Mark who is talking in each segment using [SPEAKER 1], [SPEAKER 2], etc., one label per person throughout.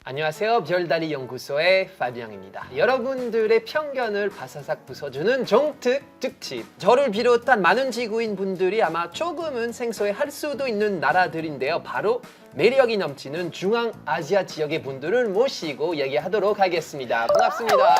[SPEAKER 1] 안녕하세요. 별다리 연구소의 파비앙입니다. 여러분들의 편견을 바사삭 부숴주는 정특 특집. 저를 비롯한 많은 지구인 분들이 아마 조금은 생소해할 수도 있는 나라들인데요. 바로 매력이 넘치는 중앙아시아 지역의 분들을 모시고 얘기하도록 하겠습니다. 반갑습니다.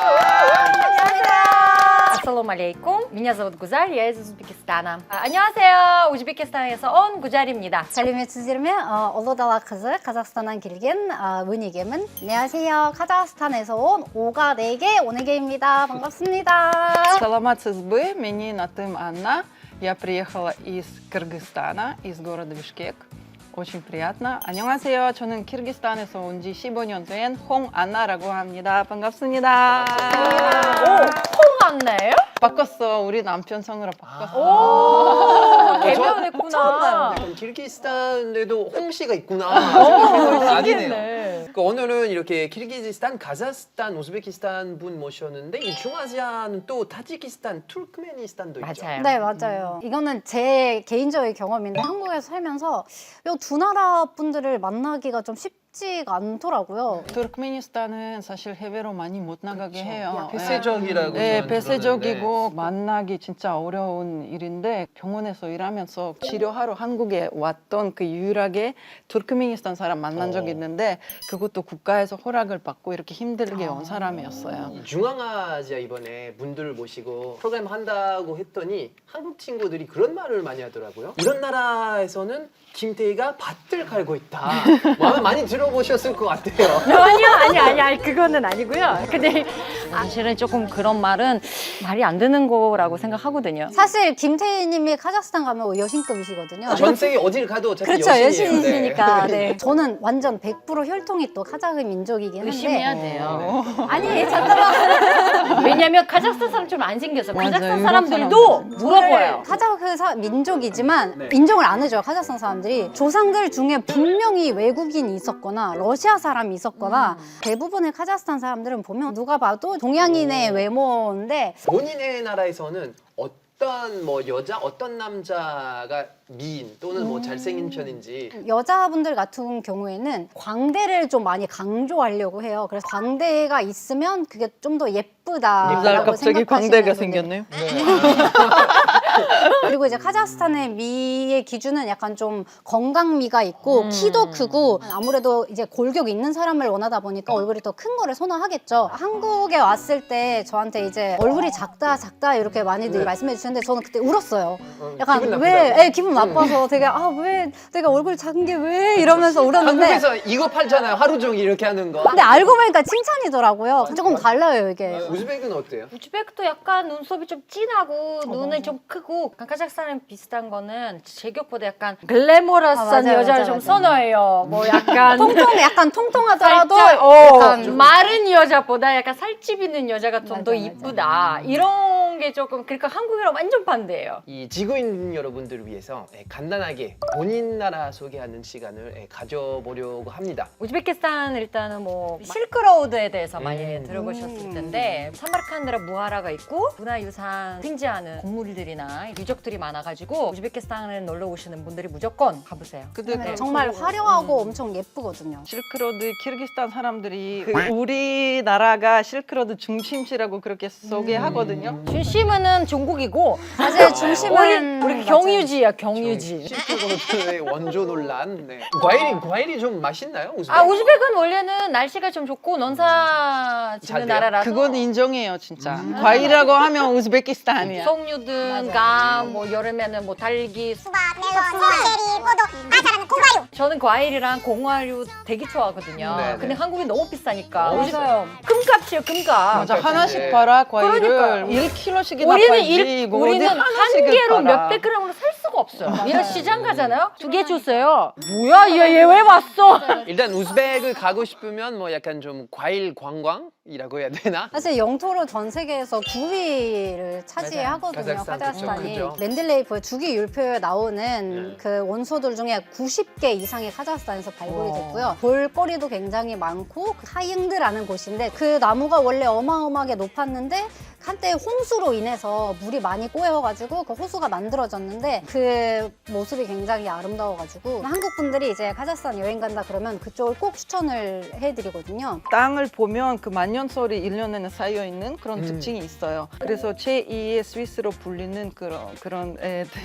[SPEAKER 2] Ассалому алейкум. Меня зовут Гузаль, я из Узбекистана. 안녕하세요. 우즈베키스탄에서 온 구잘입니다.
[SPEAKER 3] сәлеметсіздер ме? ұлы дала қызы қазақстаннан келген өнегемін. 안녕하세요. 카자흐스탄에서 온 오가네게 오네게입니다. 반갑습니다.
[SPEAKER 4] Саламатсыз бы, менин атым Анна. Я приехала из Кыргызстана, из города Бишкек. Очень приятно. 안녕하세요. 저는 키르기스탄에서 온 지 15년 된 홍안나라고 합니다. 반갑습니다.
[SPEAKER 2] 오, 홍안나예요?
[SPEAKER 4] 바꿨어. 우리 남편 성으로 바꿨어.
[SPEAKER 2] 오,
[SPEAKER 1] 처음
[SPEAKER 2] 개명했구나.
[SPEAKER 1] 약간 키르기스탄에도 홍씨가 있구나.
[SPEAKER 2] 신기했네.
[SPEAKER 1] 오늘은 이렇게 키르기즈스탄, 카자흐스탄, 우즈베키스탄 분 모셨는데 이 중아시아는 또 타지키스탄, 투르크메니스탄도 있죠.
[SPEAKER 2] 맞아요.
[SPEAKER 3] 네, 맞아요. 이거는 제 개인적인 경험인데 한국에서 살면서 이 두 나라 분들을 만나기가 좀 쉽지가 않더라고요.
[SPEAKER 4] 투르크메니스탄은 사실 해외로 많이 못 나가게 해요.
[SPEAKER 1] 폐쇄적이라고.
[SPEAKER 4] 네,
[SPEAKER 1] 저는
[SPEAKER 4] 폐쇄적이고
[SPEAKER 1] 들었는데.
[SPEAKER 4] 만나기 진짜 어려운 일인데 병원에서 일하면서 치료하러 한국에 왔던 그 유일하게 투르크메니스탄 사람 만난 적이 있는데 그것도 국가에서 허락을 받고 이렇게 힘들게 온 사람이었어요.
[SPEAKER 1] 이 중앙아시아 이번에 분들을 모시고 프로그램 한다고 했더니 한국 친구들이 그런 말을 많이 하더라고요. 이런 나라에서는 김태희가 밭을 갈고 있다. 뭐 아마 많이 들어보셨을 것 같아요.
[SPEAKER 2] 아니, 그거는 아니고요. 근데 사실은 조금 그런 말은 말이 안 되는 거라고 생각하거든요.
[SPEAKER 3] 사실 김태희님이 카자흐스탄 가면 여신급이시거든요.
[SPEAKER 1] 전 세계 어딜 가도 어차피
[SPEAKER 3] 그렇죠,
[SPEAKER 1] 여신이에요.
[SPEAKER 3] 여신이시니까. 네. 저는 완전 100% 혈통이 또 카자흐 민족이긴 한데.
[SPEAKER 2] 의심해야 돼요.
[SPEAKER 3] 아니, 잠깐만.
[SPEAKER 2] 왜냐면 카자흐스탄 사람처럼 안 생겨서
[SPEAKER 4] 맞아요.
[SPEAKER 2] 카자흐스탄
[SPEAKER 4] 유럽
[SPEAKER 2] 사람들도 물어봐요.
[SPEAKER 3] 카자흐 민족이지만 인정을 안 해줘요. 카자흐스탄 사람들이. 조상들 중에 분명히 외국인이 있었거나 러시아 사람이 있었거나 대부분의 카자흐스탄 사람들은 보면 누가 봐도 동양인의 외모인데
[SPEAKER 1] 본인의 나라에서는 어떤 뭐 여자, 어떤 남자가 미인 또는 뭐 잘생긴 편인지
[SPEAKER 3] 여자분들 같은 경우에는 광대를 좀 많이 강조하려고 해요. 그래서 광대가 있으면 그게 좀 더 예쁘다라고
[SPEAKER 4] 갑자기
[SPEAKER 3] 생각하시는
[SPEAKER 4] 광대가
[SPEAKER 3] 분들.
[SPEAKER 4] 생겼네요.
[SPEAKER 3] 그리고 이제 카자흐스탄의 미의 기준은 약간 좀 건강미가 있고 키도 크고 아무래도 이제 골격 있는 사람을 원하다 보니까 얼굴이 더 큰 거를 선호하겠죠. 한국에 왔을 때 저한테 이제 얼굴이 작다 이렇게 많이들 말씀해 주시는데 저는 그때 울었어요. 약간
[SPEAKER 1] 기분
[SPEAKER 3] 왜
[SPEAKER 1] 나쁘다고?
[SPEAKER 3] 네, 기분 나빠서 되게 왜 내가 얼굴 작은 게 왜 이러면서 울었는데
[SPEAKER 1] 한국에서 이거 팔잖아요. 하루 종일 이렇게 하는 거.
[SPEAKER 3] 근데 알고 보니까 칭찬이더라고요. 조금 달라요 이게.
[SPEAKER 1] 우즈벡은 어때요?
[SPEAKER 2] 우즈벡도 약간 눈썹이 좀 진하고 눈은 좀 크고 카자흐스탄은 비슷한 거는 제격보다 약간 글래머러스한
[SPEAKER 3] 맞아요,
[SPEAKER 2] 여자를
[SPEAKER 3] 맞아요,
[SPEAKER 2] 좀
[SPEAKER 3] 맞아요.
[SPEAKER 2] 선호해요. 뭐 약간
[SPEAKER 3] 약간 통통하더라도
[SPEAKER 2] 살짝,
[SPEAKER 3] 약간
[SPEAKER 2] 마른 여자보다 약간 살집 있는 여자가 좀 더
[SPEAKER 3] 맞아,
[SPEAKER 2] 이쁘다. 이런 게 조금 그러니까 한국이랑 완전 반대예요.
[SPEAKER 1] 이 지구인 여러분들을 위해서 간단하게 본인 나라 소개하는 시간을 가져보려고 합니다.
[SPEAKER 2] 우즈베키스탄 일단은 뭐 실크로드에 대해서 많이 들어보셨을 텐데 사마르칸드라 무하라가 있고 문화유산 횡재하는 건물들이나 유적들이 많아가지고 우즈베키스탄에 놀러 오시는 분들이 무조건 가보세요.
[SPEAKER 4] 근데
[SPEAKER 3] 정말 화려하고 엄청 예쁘거든요.
[SPEAKER 4] 실크로드 키르기스탄 사람들이 우리나라가 실크로드 중심지라고 그렇게 소개하거든요.
[SPEAKER 2] 중심은 중국이고
[SPEAKER 3] 사실 중심은
[SPEAKER 2] 우리 경유지야 경유지.
[SPEAKER 1] 실크로드의 원조 논란. 네. 과일이 좀 맛있나요? 우즈벡?
[SPEAKER 2] 우즈벡은 원래는 날씨가 좀 좋고 논사
[SPEAKER 1] 잘
[SPEAKER 2] 짓는
[SPEAKER 1] 돼요?
[SPEAKER 2] 나라라서
[SPEAKER 4] 그건 인정해요, 진짜. 과일이라고 하면 우즈베키스탄이야.
[SPEAKER 2] 석류든 감, 뭐 여름에는 뭐 달기,
[SPEAKER 5] 수박, 멜론, 체리, 포도, 다 자라는 고가류.
[SPEAKER 2] 저는 과일이랑 공화류 되게 좋아하거든요.
[SPEAKER 1] 네네.
[SPEAKER 2] 근데 한국이 너무 비싸니까.
[SPEAKER 3] 맞아요.
[SPEAKER 2] 금값이에요, 금값.
[SPEAKER 4] 맞아,
[SPEAKER 1] 네.
[SPEAKER 4] 하나씩 팔아, 과일을.
[SPEAKER 2] 그러니까요.
[SPEAKER 4] 1kg씩이나
[SPEAKER 2] 우리는
[SPEAKER 4] 팔지. 이거 어디
[SPEAKER 2] 우리는 한
[SPEAKER 4] 하나씩을
[SPEAKER 2] 개로
[SPEAKER 4] 팔아.
[SPEAKER 2] 몇백 그램으로 살 수가 없어요. 이런 시장 가잖아요. 2개 주세요. 뭐야, 얘 왜 왔어?
[SPEAKER 1] 일단 우즈벡을 가고 싶으면 뭐 약간 좀 과일 관광이라고 해야 되나?
[SPEAKER 3] 사실 영토로 전 세계에서 9위를 차지하거든요.
[SPEAKER 1] 카자흐스탄,
[SPEAKER 3] 카자흐스탄이.
[SPEAKER 1] 그죠, 그죠.
[SPEAKER 3] 멘델레이프의 주기 율표에 나오는
[SPEAKER 1] 네.
[SPEAKER 3] 그 원소들 중에 90개 이상이 카자흐스탄에서 발굴이 됐고요. 볼거리도 굉장히 많고 하잉드라는 곳인데 그 나무가 원래 어마어마하게 높았는데 한때 홍수로 인해서 물이 많이 꼬여가지고 그 호수가 만들어졌는데 그 그 모습이 굉장히 아름다워가지고 한국 분들이 이제 카자흐스탄 여행 간다 그러면 그쪽을 꼭 추천을 해드리거든요.
[SPEAKER 4] 땅을 보면 그 만년설이 일년에는 쌓여 있는 그런 특징이 있어요. 그래서 제2의 스위스로 불리는 그런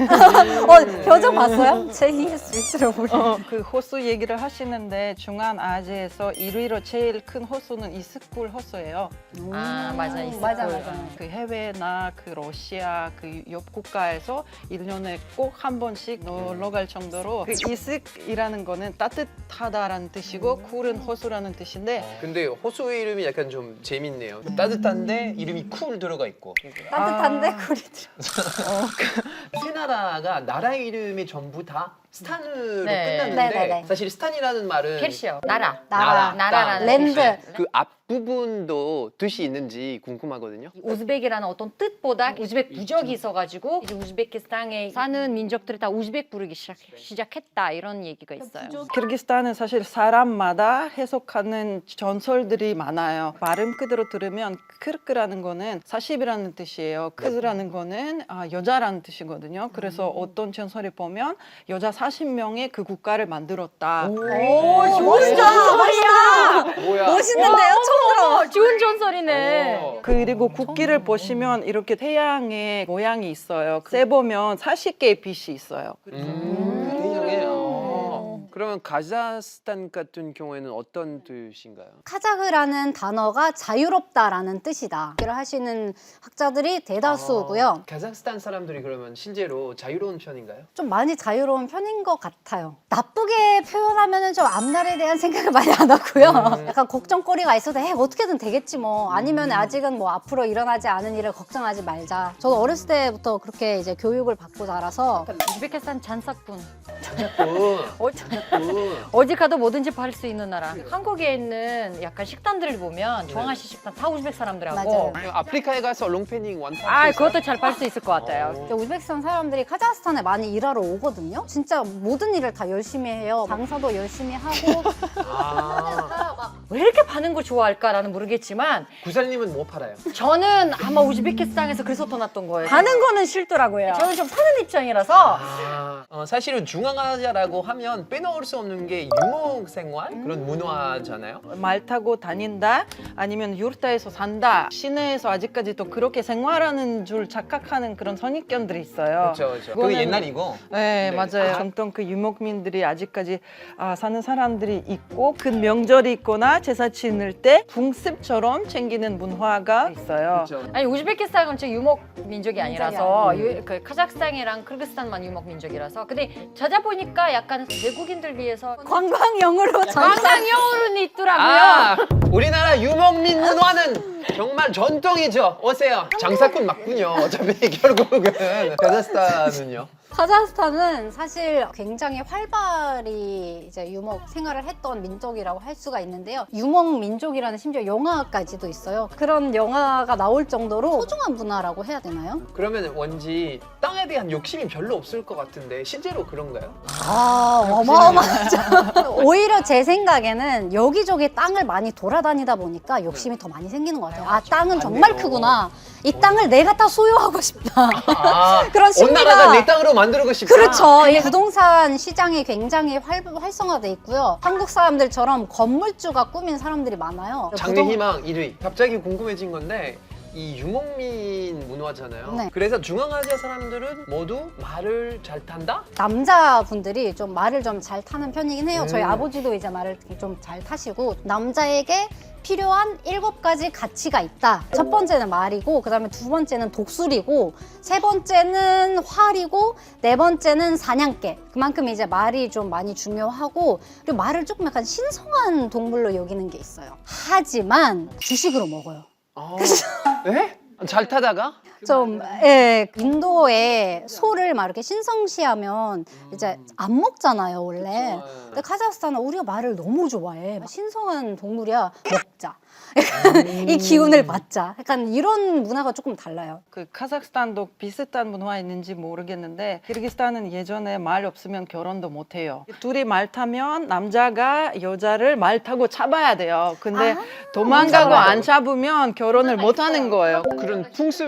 [SPEAKER 3] 표정 봤어요? 제2의 스위스로 보리.
[SPEAKER 4] 그 호수 얘기를 하시는데 중앙아시아에서 1위로 제일 큰 호수는 이스쿨 호수예요.
[SPEAKER 2] 아, 맞아. 있을
[SPEAKER 3] 맞아,
[SPEAKER 2] 거예요.
[SPEAKER 3] 맞아.
[SPEAKER 4] 그 해외나 그 러시아 그 옆 국가에서 1년에 꼭 한 번씩 놀러 갈 정도로 그 이스크이라는 거는 따뜻하다라는 뜻이고 쿨은 호수라는 뜻인데
[SPEAKER 1] 근데 호수 이름이 약간 좀 재밌네요. 따뜻한데 이름이 쿨 들어가 있고.
[SPEAKER 3] 따뜻한데 쿨이 들어.
[SPEAKER 1] 세 나라가 나라 이름이 전부 다 스탄으로
[SPEAKER 2] 네.
[SPEAKER 1] 끝났는데
[SPEAKER 3] 네네네.
[SPEAKER 1] 사실 스탄이라는 말은
[SPEAKER 2] 캐시요. 나라.
[SPEAKER 3] 나라.
[SPEAKER 2] 나라라는
[SPEAKER 3] 랜드.
[SPEAKER 1] 그 앞부분도 뜻이 있는지 궁금하거든요.
[SPEAKER 2] 우즈벡이라는 어떤 뜻보다 우즈벡 부적이 있어가지고 이제 우즈베키스탄에 사는 민족들이 다 우즈벡 부르기 시작했다 이런 얘기가 있어요.
[SPEAKER 4] 키르기스탄은 사실 사람마다 해석하는 전설들이 많아요. 발음 그대로 들으면 크르크라는 거는 40이라는 뜻이에요. 크즈라는 거는 여자라는 뜻이거든요. 그래서 어떤 전설에 보면 여자 40명의 그 국가를 만들었다.
[SPEAKER 2] 오, 좋은 전설이야.
[SPEAKER 1] 뭐야?
[SPEAKER 3] 멋있는데요? 처음 들어.
[SPEAKER 2] 좋은 전설이네.
[SPEAKER 4] 그리고 국기를 보시면 이렇게 태양의 모양이 있어요. 세보면 40개의 빛이 있어요.
[SPEAKER 1] 대형해. 그러면 카자흐스탄 같은 경우에는 어떤 뜻인가요?
[SPEAKER 3] 카자흐라는 단어가 자유롭다라는 뜻이다. 얘기를 하시는 학자들이 대다수고요.
[SPEAKER 1] 카자흐스탄 사람들이 그러면 실제로 자유로운 편인가요?
[SPEAKER 3] 좀 많이 자유로운 편인 것 같아요. 나쁘게 표현하면 좀 앞날에 대한 생각을 많이 안 하고요. 약간 걱정거리가 있어도 어떻게든 되겠지 뭐. 아니면 아직은 뭐 앞으로 일어나지 않은 일을 걱정하지 말자. 저도 어렸을 때부터 그렇게 이제 교육을 받고 자라서
[SPEAKER 2] 우즈베키스탄 잔사꾼.
[SPEAKER 1] 어,
[SPEAKER 2] 어디 가도 뭐든지 팔 수 있는 나라. 한국에 있는 약간 식당들을 보면 정아시 식당 다 우즈벡 사람들하고.
[SPEAKER 3] 맞아요.
[SPEAKER 1] 아프리카에 가서 롱패닝 완판.
[SPEAKER 2] 아, 그것도 잘 팔 수 있을 것 같아요.
[SPEAKER 3] 우즈베키스탄 사람들이 카자흐스탄에 많이 일하러 오거든요. 진짜 모든 일을 다 열심히 해요. 장사도 열심히 하고
[SPEAKER 2] 왜 이렇게 파는 걸 좋아할까라는 모르겠지만
[SPEAKER 1] 구살님은 뭐 팔아요?
[SPEAKER 2] 저는 아마 우즈베키스탄에서 그래서 떠났던 거예요. 파는 거는 싫더라고요. 저는 좀 사는 입장이라서
[SPEAKER 1] 사실은 중앙아시아라고 하면 빼놓을 수 없는 게 유목 생활 그런 문화잖아요.
[SPEAKER 4] 말 타고 다닌다 아니면 유르타에서 산다 시내에서 아직까지도 그렇게 생활하는 줄 착각하는 그런 선입견들이 있어요.
[SPEAKER 1] 그렇죠.
[SPEAKER 4] 그거는-
[SPEAKER 1] 그게 옛날이고.
[SPEAKER 4] 네, 맞아요. 정통 그 유목민들이 아직까지 사는 사람들이 있고 그 명절이 있거나 제사 지낼 때 풍습처럼 챙기는 문화가 있어요.
[SPEAKER 1] 그렇죠.
[SPEAKER 2] 아니 우즈베키스탄은 제 유목 민족이 아니라서 그 카자흐스탄이랑 키르기스탄만 유목 민족이라서 근데 찾아보니까 약간 외국인들 위해서
[SPEAKER 3] 관광용으로
[SPEAKER 2] 관광용으로는 있더라고요.
[SPEAKER 1] 우리나라 유목민 문화는 정말 전통이죠. 오세요. 장사꾼 맞군요. 어차피 결국은 카자흐스탄은요.
[SPEAKER 3] 카자흐스탄은 사실 굉장히 활발히 이제 유목 생활을 했던 민족이라고 할 수가 있는데요. 유목 민족이라는 심지어 영화까지도 있어요. 그런 영화가 나올 정도로 소중한 문화라고 해야 되나요?
[SPEAKER 1] 그러면 원지 땅에 대한 욕심이 별로 없을 것 같은데 실제로 그런가요?
[SPEAKER 3] 어마어마하죠. 오히려 제 생각에는 여기저기 땅을 많이 돌아다니다 보니까 욕심이 더 많이 생기는 것 같아요. 땅은 정말
[SPEAKER 1] 맞네요.
[SPEAKER 3] 크구나. 이 땅을 내가 다 소유하고 싶다. 그런
[SPEAKER 1] 온
[SPEAKER 3] 심리가
[SPEAKER 1] 나라가 내 땅으로 만들고 싶다.
[SPEAKER 3] 그렇죠. 이 부동산 시장이 굉장히 활성화돼 있고요. 한국 사람들처럼 건물주가 꾸민 사람들이 많아요.
[SPEAKER 1] 장래희망 1위. 갑자기 궁금해진 건데 이 유목민 문화잖아요.
[SPEAKER 3] 네.
[SPEAKER 1] 그래서 중앙아시아 사람들은 모두 말을 잘 탄다?
[SPEAKER 3] 남자분들이 좀 말을 좀 잘 타는 편이긴 해요. 저희 아버지도 이제 말을 좀 잘 타시고 남자에게 필요한 7가지 가치가 있다. 첫 번째는 말이고 그다음에 두 번째는 독수리고 세 번째는 활이고 네 번째는 사냥개. 그만큼 이제 말이 좀 많이 중요하고 그리고 말을 조금 약간 신성한 동물로 여기는 게 있어요. 하지만 주식으로 먹어요.
[SPEAKER 1] 네? 잘 타다가?
[SPEAKER 3] 좀 인도에 소를 막 이렇게 신성시하면 이제 안 먹잖아요 원래.
[SPEAKER 1] 그쵸.
[SPEAKER 3] 근데 카자흐스탄은 우리가 말을 너무 좋아해. 신성한 동물이야 먹자. 이 기운을 받자. 약간 이런 문화가 조금 달라요.
[SPEAKER 4] 그 카자흐스탄도 비슷한 문화 있는지 모르겠는데 키르기스탄은 예전에 말 없으면 결혼도 못 해요. 둘이 말 타면 남자가 여자를 말 타고 잡아야 돼요. 근데 도망가고 안 잡으면 결혼을 못 하는 거예요.
[SPEAKER 1] 그런 풍습인가요?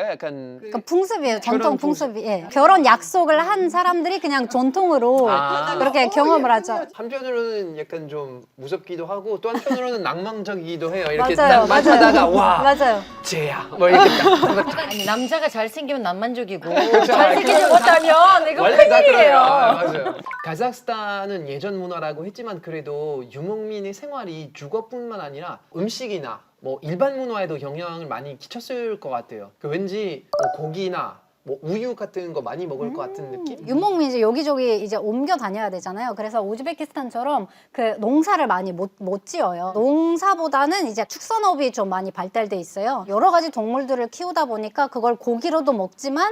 [SPEAKER 1] 건가요? 약간
[SPEAKER 3] 그러니까 풍습이에요. 전통
[SPEAKER 1] 결혼 풍습.
[SPEAKER 3] 풍습이. 예. 결혼 약속을 한 사람들이 그냥 전통으로
[SPEAKER 1] 아.
[SPEAKER 3] 그렇게 경험을 하죠.
[SPEAKER 1] 한편으로는 약간 좀 무섭기도 하고 또 한편으로는 낭만적이기도 해요. 이렇게
[SPEAKER 3] 맞아요,
[SPEAKER 1] 딱 마주하다가
[SPEAKER 3] 맞아요.
[SPEAKER 1] 와
[SPEAKER 3] 맞아요.
[SPEAKER 1] 쟤야 뭐 이렇게 딱
[SPEAKER 2] 아니 남자가 잘생기면 낭만적이고
[SPEAKER 1] 그렇죠.
[SPEAKER 2] 잘생기지 못하면 이거
[SPEAKER 1] 원래 다 그래요.
[SPEAKER 2] 큰일이에요.
[SPEAKER 1] 맞아요. 카자흐스탄은 예전 문화라고 했지만 그래도 유목민의 생활이 주거뿐만 아니라 음식이나 뭐 일반 문화에도 영향을 많이 끼쳤을 것 같아요. 그 왠지 뭐 고기나 뭐 우유 같은 거 많이 먹을 것 같은 느낌?
[SPEAKER 3] 유목민 이제 여기저기 이제 옮겨 다녀야 되잖아요. 그래서 우즈베키스탄처럼 그 농사를 많이 못 지어요. 농사보다는 이제 축산업이 좀 많이 발달돼 있어요. 여러 가지 동물들을 키우다 보니까 그걸 고기로도 먹지만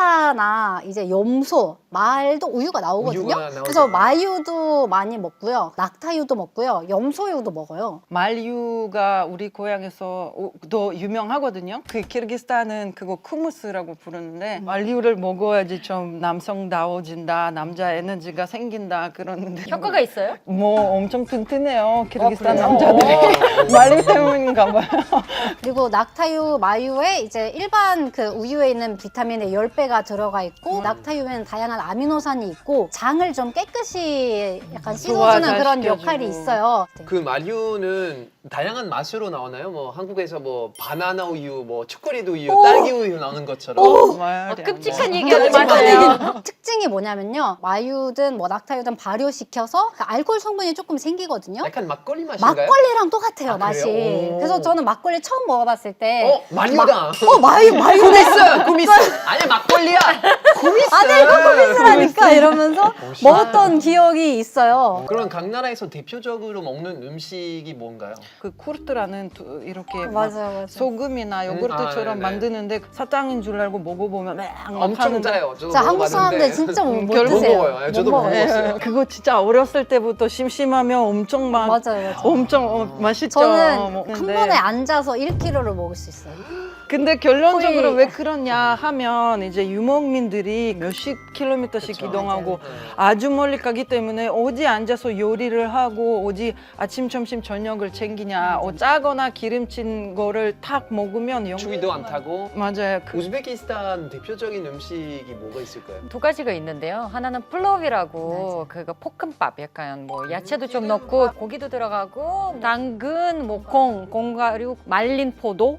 [SPEAKER 3] 낙타나 이제 염소, 말도 우유가 나오거든요.
[SPEAKER 1] 우유가 나오죠.
[SPEAKER 3] 그래서 마유도 많이 먹고요. 낙타유도 먹고요. 염소유도 먹어요.
[SPEAKER 4] 말유가 우리 고향에서 더 유명하거든요. 그 키르기스탄은 그거 쿠무스라고 부르는데 말유를 먹어야지 좀 남성다워진다, 남자 에너지가 생긴다 그러는데
[SPEAKER 2] 효과가 있어요?
[SPEAKER 4] 뭐 엄청 튼튼해요. 키르기스탄
[SPEAKER 2] 그래요?
[SPEAKER 4] 남자들이 말유 때문인가 봐요.
[SPEAKER 3] 그리고 낙타유, 마유에 이제 일반 그 우유에 있는 비타민의 10배가 들어가 있고 낙타유에는 다양한 아미노산이 있고 장을 좀 깨끗이 약간 씻어주는 그런
[SPEAKER 4] 시켜주고.
[SPEAKER 3] 역할이 있어요.
[SPEAKER 1] 그 마류는 다양한 맛으로 나오나요? 뭐 한국에서 뭐 바나나 우유, 뭐 초콜릿 우유, 딸기 우유 나오는 것처럼.
[SPEAKER 4] 말이 안
[SPEAKER 2] 끔찍한
[SPEAKER 4] 돼.
[SPEAKER 2] 얘기하지 마세요.
[SPEAKER 3] 특징이 뭐냐면요. 마유든 뭐 낙타유든 발효시켜서 그 알코올 성분이 조금 생기거든요.
[SPEAKER 1] 약간 막걸리 맛인가요?
[SPEAKER 3] 막걸리랑 똑같아요,
[SPEAKER 1] 아,
[SPEAKER 3] 맛이.
[SPEAKER 1] 그래요? 오.
[SPEAKER 3] 그래서 저는 막걸리 처음 먹어봤을 때
[SPEAKER 1] 마류다.
[SPEAKER 3] 마유
[SPEAKER 1] 구미스, 구미스. 아니야 막걸리야. 구미스.
[SPEAKER 3] 아니 이거 코미스라니까 이러면서
[SPEAKER 1] 신기하다.
[SPEAKER 3] 먹었던 기억이 있어요.
[SPEAKER 1] 그럼 각 나라에서 대표적으로 먹는 음식이 뭔가요?
[SPEAKER 4] 그 쿠르트라는 이렇게 막
[SPEAKER 3] 맞아요.
[SPEAKER 4] 소금이나 요구르트처럼
[SPEAKER 1] 네네.
[SPEAKER 4] 만드는데 사탕인 줄 알고 먹어보면 막
[SPEAKER 1] 엄청
[SPEAKER 4] 하는데
[SPEAKER 1] 짜요. 저도
[SPEAKER 3] 자, 한국 사람들
[SPEAKER 1] 먹어봤는데.
[SPEAKER 3] 진짜 못
[SPEAKER 1] 결국
[SPEAKER 3] 드세요.
[SPEAKER 1] 먹어요. 예, 저도
[SPEAKER 3] 못
[SPEAKER 1] 못
[SPEAKER 3] 먹어요.
[SPEAKER 1] 먹었어요.
[SPEAKER 4] 그거 진짜 어렸을 때부터 심심하면 엄청 막
[SPEAKER 3] 맞아요.
[SPEAKER 4] 엄청 맛있죠.
[SPEAKER 3] 저는 한
[SPEAKER 4] 먹는데.
[SPEAKER 3] 번에 앉아서 1kg를 먹을 수 있어요.
[SPEAKER 4] 근데 결론적으로
[SPEAKER 3] 거의-
[SPEAKER 4] 왜 그러냐 하면 이제 유목민들이 몇십 킬로미터씩
[SPEAKER 1] 그쵸.
[SPEAKER 4] 이동하고
[SPEAKER 1] 맞아요.
[SPEAKER 4] 아주 멀리 가기 때문에 어디 앉아서 요리를 하고 어디 아침 점심 저녁을 챙기냐 짜거나 기름진 거를 탁 먹으면
[SPEAKER 1] 추위도 안 타고.
[SPEAKER 4] 맞아요.
[SPEAKER 1] 우즈베키스탄 대표적인 음식이 뭐가 있을까요?
[SPEAKER 2] 두 가지가 있는데요. 하나는 플로비라고 그거 볶음밥 약간 뭐 야채도 좀 넣고 고기도 들어가고 당근, 뭐 콩가루, 말린 포도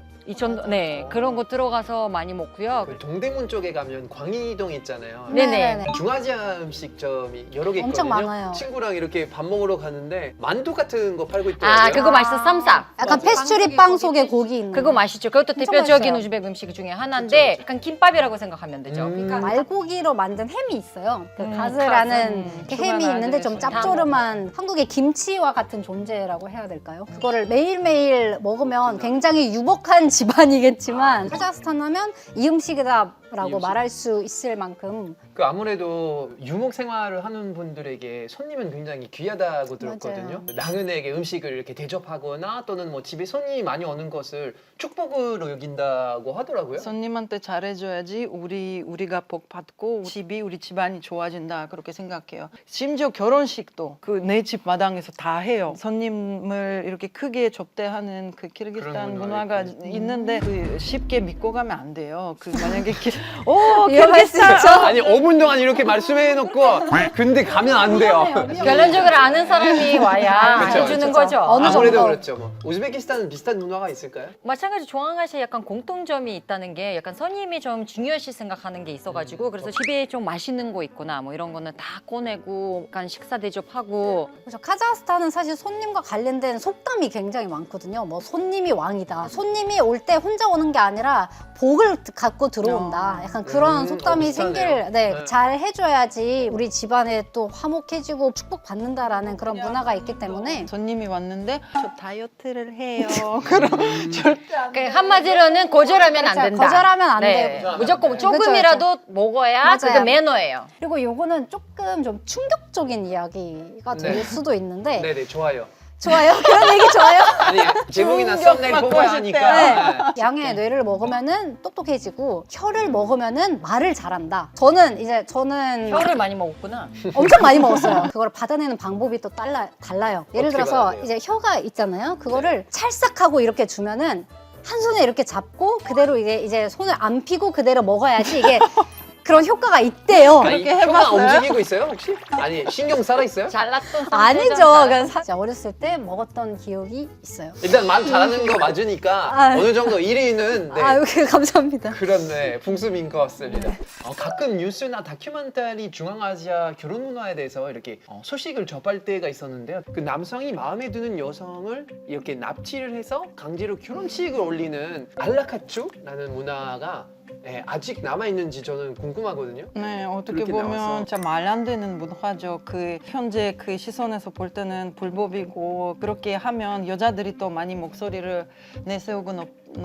[SPEAKER 2] 네 그런 거 들어가서 많이 먹고요.
[SPEAKER 1] 그 동대문 쪽에 가면 광희동 있잖아요.
[SPEAKER 2] 네네.
[SPEAKER 1] 중아시아 음식점이 여러 개
[SPEAKER 3] 엄청
[SPEAKER 1] 있거든요.
[SPEAKER 3] 많아요.
[SPEAKER 1] 친구랑 이렇게 밥 먹으러 가는데 만두 같은 거 팔고 있더라고요.
[SPEAKER 2] 아 그거 맛있어 쌈싸.
[SPEAKER 3] 약간 페스츄리 빵 속에 고기 있는
[SPEAKER 2] 그거 맛있죠. 그것도
[SPEAKER 3] 엄청
[SPEAKER 2] 대표적인
[SPEAKER 3] 맛있어요.
[SPEAKER 2] 우즈벡 음식 중에 하나인데 약간 김밥이라고 생각하면 되죠.
[SPEAKER 1] 그러니까
[SPEAKER 3] 말고기로 만든 햄이 있어요. 그
[SPEAKER 4] 가즈.
[SPEAKER 3] 가즈라는 그 햄이
[SPEAKER 4] 주간
[SPEAKER 3] 있는데 좀
[SPEAKER 4] 아재에서.
[SPEAKER 3] 짭조름한 한국의 김치와 같은 존재라고 해야 될까요? 그거를 매일매일 먹으면 굉장히 유복한 집안이겠지만 카자흐스탄 하면 이 음식이다라고
[SPEAKER 1] 이 음식.
[SPEAKER 3] 말할 수 있을 만큼
[SPEAKER 1] 그 아무래도 유목 생활을 하는 분들에게 손님은 굉장히 귀하다고 들었거든요. 나그네에게 음식을 이렇게 대접하거나 또는 뭐 집에 손님이 많이 오는 것을 축복으로 여긴다고 하더라고요.
[SPEAKER 4] 손님한테 잘해줘야지 우리가 복 받고 우리 집안이 좋아진다 그렇게 생각해요. 심지어 결혼식도 그 내 집 마당에서 다 해요. 손님을 이렇게 크게 접대하는 그 키르기스탄
[SPEAKER 1] 그런
[SPEAKER 4] 문화가
[SPEAKER 1] 문화가
[SPEAKER 4] 있는데 그 쉽게 믿고 가면 안 돼요. 그 만약에
[SPEAKER 3] 위험할 수
[SPEAKER 4] 키르기스탄
[SPEAKER 3] 있죠.
[SPEAKER 1] 아니 5분 동안 이렇게 말씀해놓고 근데 가면 안 돼요.
[SPEAKER 2] 결론적으로 아는 사람이 와야
[SPEAKER 1] 그쵸,
[SPEAKER 2] 해주는
[SPEAKER 1] 그쵸.
[SPEAKER 2] 거죠.
[SPEAKER 3] 어느
[SPEAKER 1] 아무래도
[SPEAKER 3] 정도.
[SPEAKER 1] 그렇죠. 뭐. 우즈베키스탄은 비슷한 문화가 있을까요?
[SPEAKER 2] 마찬가지 중앙아시아 약간 공통점이 있다는 게 약간 손님이 좀 중요시 생각하는 게 있어가지고 그래서 집에 좀 맛있는 거 있구나 뭐 이런 거는 다 꺼내고 약간 식사 대접하고
[SPEAKER 3] 그래서 카자흐스탄은 사실 손님과 관련된 속담이 굉장히 많거든요. 뭐 손님이 왕이다. 손님이 올 때 혼자 오는 게 아니라 복을 갖고 들어온다. 약간 그런 속담이
[SPEAKER 1] 비슷하네요. 네.
[SPEAKER 3] 잘 해줘야지 우리 집안에 또 화목해지고 축복받는다라는 그런 문화가 있기 때문에
[SPEAKER 4] 손님이 왔는데 저 다이어트를 해요. 그럼 절대 안
[SPEAKER 2] 그러니까 한마디로는 거절하면 안
[SPEAKER 3] 그렇죠.
[SPEAKER 2] 된다.
[SPEAKER 3] 거절하면 안
[SPEAKER 2] 네.
[SPEAKER 3] 되고.
[SPEAKER 2] 무조건
[SPEAKER 3] 그렇죠,
[SPEAKER 2] 조금이라도 먹어야
[SPEAKER 3] 맞아요.
[SPEAKER 2] 그게 매너예요.
[SPEAKER 3] 그리고 요거는 조금 좀 충격적인 이야기가 될
[SPEAKER 1] 네.
[SPEAKER 3] 수도 있는데
[SPEAKER 1] 네네 좋아요.
[SPEAKER 3] 좋아요? 그런 얘기 좋아요?
[SPEAKER 1] 아니 제목이나 썸네일
[SPEAKER 4] 받고
[SPEAKER 1] 뽑아야
[SPEAKER 4] 싶대.
[SPEAKER 1] 하니까.
[SPEAKER 3] 양의 뇌를 먹으면은 똑똑해지고 혀를 먹으면은 말을 잘한다. 저는
[SPEAKER 2] 혀를 많이 먹었구나.
[SPEAKER 3] 엄청 많이 먹었어요. 그걸 받아내는 방법이 또 달라요. 예를
[SPEAKER 1] 어떻게
[SPEAKER 3] 들어서
[SPEAKER 1] 받아내요?
[SPEAKER 3] 이제 혀가 있잖아요. 그거를 찰싹하고 이렇게 주면은 한 손에 이렇게 잡고 그대로 이제 손을 안 피고 그대로 먹어야지 이게 그런 효과가 있대요.
[SPEAKER 1] 아니,
[SPEAKER 4] 그렇게
[SPEAKER 1] 혀가
[SPEAKER 4] 해봤어요?
[SPEAKER 1] 움직이고 있어요 혹시? 아니 신경 살아 있어요?
[SPEAKER 2] 잘랐던
[SPEAKER 3] 아니죠.
[SPEAKER 2] 상태잖아.
[SPEAKER 3] 그냥 진짜 어렸을 때 먹었던 기억이 있어요.
[SPEAKER 1] 일단 말 잘하는 거 맞으니까
[SPEAKER 3] 아.
[SPEAKER 1] 어느 정도 1위는 네.
[SPEAKER 3] 아유, 감사합니다.
[SPEAKER 1] 그렇네 풍습인 것 같습니다. 가끔 뉴스나 다큐멘터리 중앙아시아 결혼 문화에 대해서 이렇게 소식을 접할 때가 있었는데요. 그 남성이 마음에 드는 여성을 이렇게 납치를 해서 강제로 결혼식을 올리는 알라카추라는 문화가 네, 아직 남아 있는지 저는 궁금하거든요.
[SPEAKER 4] 네, 어떻게
[SPEAKER 1] 그렇게
[SPEAKER 4] 보면
[SPEAKER 1] 나와서.
[SPEAKER 4] 진짜 말 안 되는 문화죠. 그 현재 그 시선에서 볼 때는 불법이고 그렇게 하면 여자들이 또 많이 목소리를 내세우고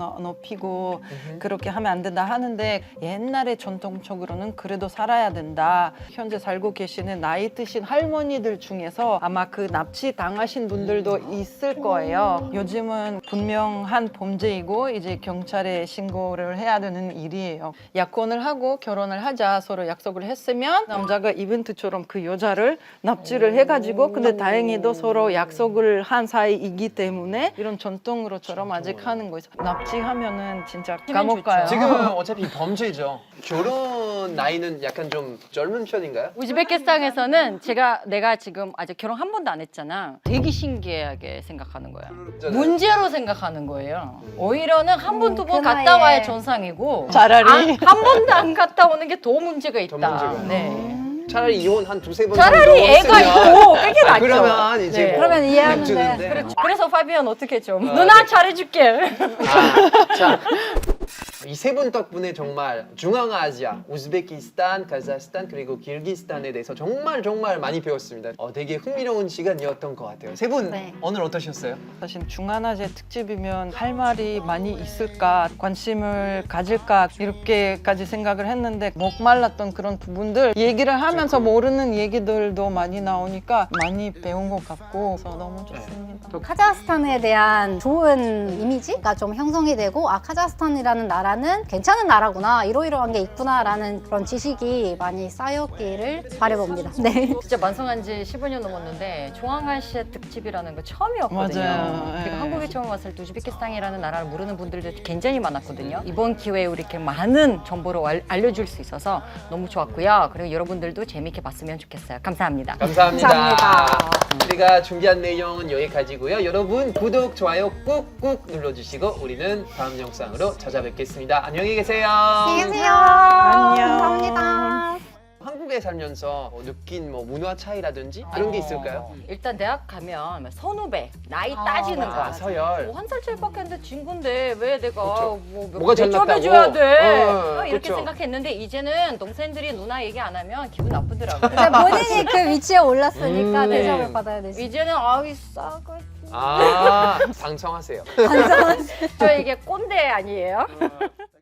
[SPEAKER 4] 높이고 그렇게 하면 안 된다 하는데 옛날에 전통적으로는 그래도 살아야 된다. 현재 살고 계시는 나이 드신 할머니들 중에서 아마 그 납치 당하신 분들도 있을 거예요. 요즘은 분명한 범죄이고 이제 경찰에 신고를 해야 되는 일이에요. 약혼을 하고 결혼을 하자 서로 약속을 했으면 남자가 이벤트처럼 그 여자를 납치를 해가지고 근데 다행히도 서로 약속을 한 사이이기 때문에 이런 전통으로처럼 아직 하는 거 있어. 납치하면은 진짜 감옥 가요.
[SPEAKER 1] 지금 어차피 범죄죠. 결혼 나이는 약간 좀 젊은 편인가요?
[SPEAKER 2] 우즈베키스탄에서는 내가 지금 아직 결혼 한 번도 안 했잖아. 되게 신기하게 생각하는 거야. 문제로 생각하는 거예요. 오히려는 한 번, 두 번
[SPEAKER 3] 그
[SPEAKER 2] 갔다
[SPEAKER 3] 나이에.
[SPEAKER 2] 와야 정상이고
[SPEAKER 4] 차라리.
[SPEAKER 2] 한 번도 안 갔다 오는 게 더 문제가 있다.
[SPEAKER 1] 문제가.
[SPEAKER 2] 네.
[SPEAKER 1] 차라리 이혼 한 두세 번
[SPEAKER 2] 차라리 애가 있고 그게 낫죠.
[SPEAKER 1] 그러면 이제
[SPEAKER 2] 네.
[SPEAKER 1] 뭐
[SPEAKER 3] 그러면 이해하는데.
[SPEAKER 1] 냅두는데.
[SPEAKER 2] 그렇죠. 그래서 파비안 어떻게 좀
[SPEAKER 1] 아,
[SPEAKER 2] 누나
[SPEAKER 1] 네.
[SPEAKER 2] 잘해줄게.
[SPEAKER 1] 자, 이 세 분 덕분에 정말 중앙아시아, 우즈베키스탄, 카자흐스탄 그리고 키르기스탄에 대해서 정말 많이 배웠습니다. 되게 흥미로운 시간이었던 것 같아요. 세 분
[SPEAKER 3] 네.
[SPEAKER 1] 오늘 어떠셨어요?
[SPEAKER 4] 사실 중앙아시아 특집이면 할 말이 많이 있을까 관심을 가질까 이렇게까지 생각을 했는데 목말랐던 그런 부분들 얘기를 하면서 모르는 얘기들도 많이 나오니까 많이 배운 것 같고 그래서 너무 좋습니다.
[SPEAKER 3] 카자흐스탄에 대한 좋은 이미지가 좀 형성이 되고 카자흐스탄이라는 나라는 괜찮은 나라구나 이러이러한 게 있구나라는 그런 지식이 많이 쌓였기를 바라봅니다. 네.
[SPEAKER 2] 진짜 만성한 지 15년 넘었는데 중앙아시아 특집이라는 거 처음이었거든요.
[SPEAKER 4] 맞아요.
[SPEAKER 2] 그리고
[SPEAKER 4] 예.
[SPEAKER 2] 한국에 처음 왔을 때 우즈베키스탄이라는 나라를 모르는 분들도 굉장히 많았거든요. 이번 기회에 우리 이렇게 많은 정보를 알려줄 수 있어서 너무 좋았고요. 그리고 여러분들도 재밌게 봤으면 좋겠어요. 감사합니다.
[SPEAKER 1] 감사합니다.
[SPEAKER 3] 감사합니다.
[SPEAKER 1] 우리가 준비한 내용은 여기까지고요. 여러분 구독, 좋아요 꾹꾹 눌러주시고 우리는 다음 영상으로 찾아뵙겠습니다. 안녕히 계세요.
[SPEAKER 3] 안녕히 계세요.
[SPEAKER 4] 안녕.
[SPEAKER 3] 감사합니다.
[SPEAKER 1] 한국에 살면서 느낀 문화 차이라든지 그런 게 있을까요?
[SPEAKER 2] 일단 대학 가면 선후배 나이 따지는 거.
[SPEAKER 1] 서열.
[SPEAKER 2] 한 살 차이밖에 안 돼 친구인데 왜 내가
[SPEAKER 1] 그렇죠.
[SPEAKER 2] 뭐
[SPEAKER 1] 뭐가 잘났다고?
[SPEAKER 2] 대접해줘야 돼 이렇게
[SPEAKER 1] 그렇죠.
[SPEAKER 2] 생각했는데 이제는 동생들이 누나 얘기 안 하면 기분 나쁘더라고요.
[SPEAKER 3] 이제 본인이 그 위치에 올랐으니까
[SPEAKER 1] 네.
[SPEAKER 3] 대접을 받아야 되지.
[SPEAKER 2] 이제는 아이 싸가
[SPEAKER 1] 방송하세요.
[SPEAKER 2] 저 이게 꼰대 아니에요?